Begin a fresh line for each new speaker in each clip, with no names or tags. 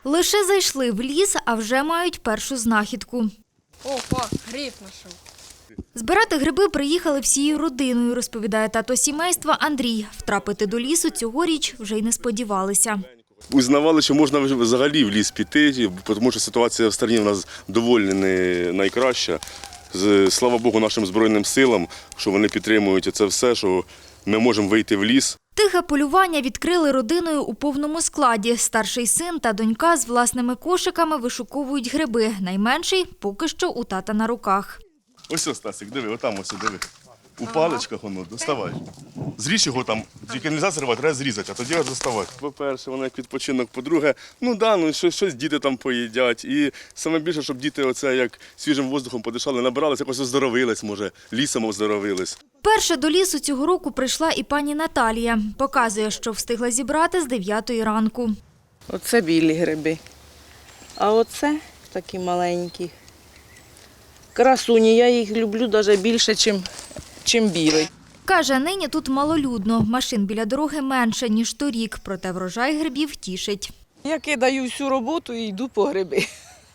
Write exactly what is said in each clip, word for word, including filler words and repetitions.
Лише зайшли в ліс, а вже мають першу знахідку.
Опа, гриб знайшов.
Збирати гриби приїхали всією родиною, розповідає тато сімейства Андрій. Втрапити до лісу цьогоріч вже й не сподівалися.
Узнавали, що можна взагалі в ліс піти, тому що ситуація в стороні в нас доволі не найкраща. Слава Богу, нашим Збройним силам, що вони підтримують це все, що ми можемо вийти в ліс.
Тихе полювання відкрили родиною у повному складі. Старший син та донька з власними кошиками вишуковують гриби. Найменший поки що у тата на руках.
Ось ось, Стасик, диви, отам ось, диви. У паличках воно, доставай. Зріж його там, тільки не можна зривати, треба зрізати, а тоді доставати. По-перше, воно як відпочинок, по-друге, ну да, ну щось, щось діти там поїдять. І саме більше, щоб діти оце як свіжим воздухом подишали, набирались, якось оздоровились, може, лісом оздоровились.
Перше до лісу цього року прийшла і пані Наталія. Показує, що встигла зібрати з дев'ятої ранку.
Оце білі гриби, а оце такі маленькі. Красуні, я їх люблю навіть більше, ніж чим білий.
Каже, нині тут малолюдно. Машин біля дороги менше, ніж торік. Проте врожай грибів тішить.
Я кидаю всю роботу і йду по гриби.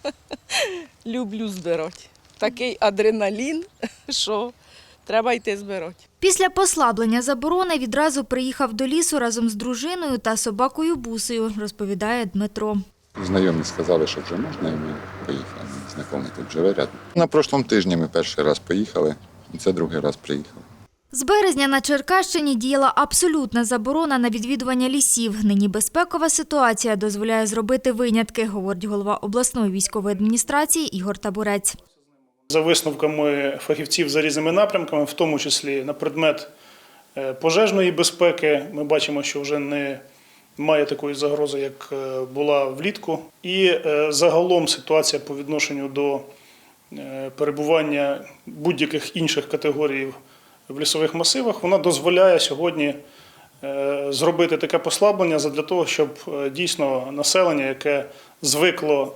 Люблю збирати. Такий адреналін, що треба йти збирати.
Після послаблення заборони відразу приїхав до лісу разом з дружиною та собакою Бусею, розповідає Дмитро.
Знайомі сказали, що вже можна, і ми поїхали. Знайомий тут живе рядом. На прошлому тижні ми перший раз поїхали, і це другий раз приїхали.
З березня на Черкащині діяла абсолютна заборона на відвідування лісів. Нині безпекова ситуація дозволяє зробити винятки, говорить голова обласної військової адміністрації Ігор Табурець.
За висновками фахівців за різними напрямками, в тому числі на предмет пожежної безпеки, ми бачимо, що вже не має такої загрози, як була влітку. І загалом ситуація по відношенню до перебування будь-яких інших категорій в лісових масивах, вона дозволяє сьогодні зробити таке послаблення для того, щоб дійсно населення, яке звикло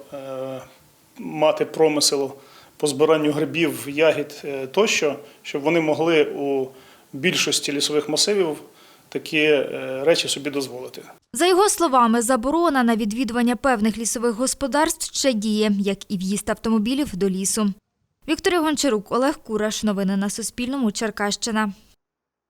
мати промисел по збиранню грибів, ягід тощо, щоб вони могли у більшості лісових масивів такі речі собі дозволити.
За його словами, заборона на відвідування певних лісових господарств ще діє, як і в'їзд автомобілів до лісу. Вікторія Гончарук, Олег Кураш. Новини на Суспільному. Черкащина.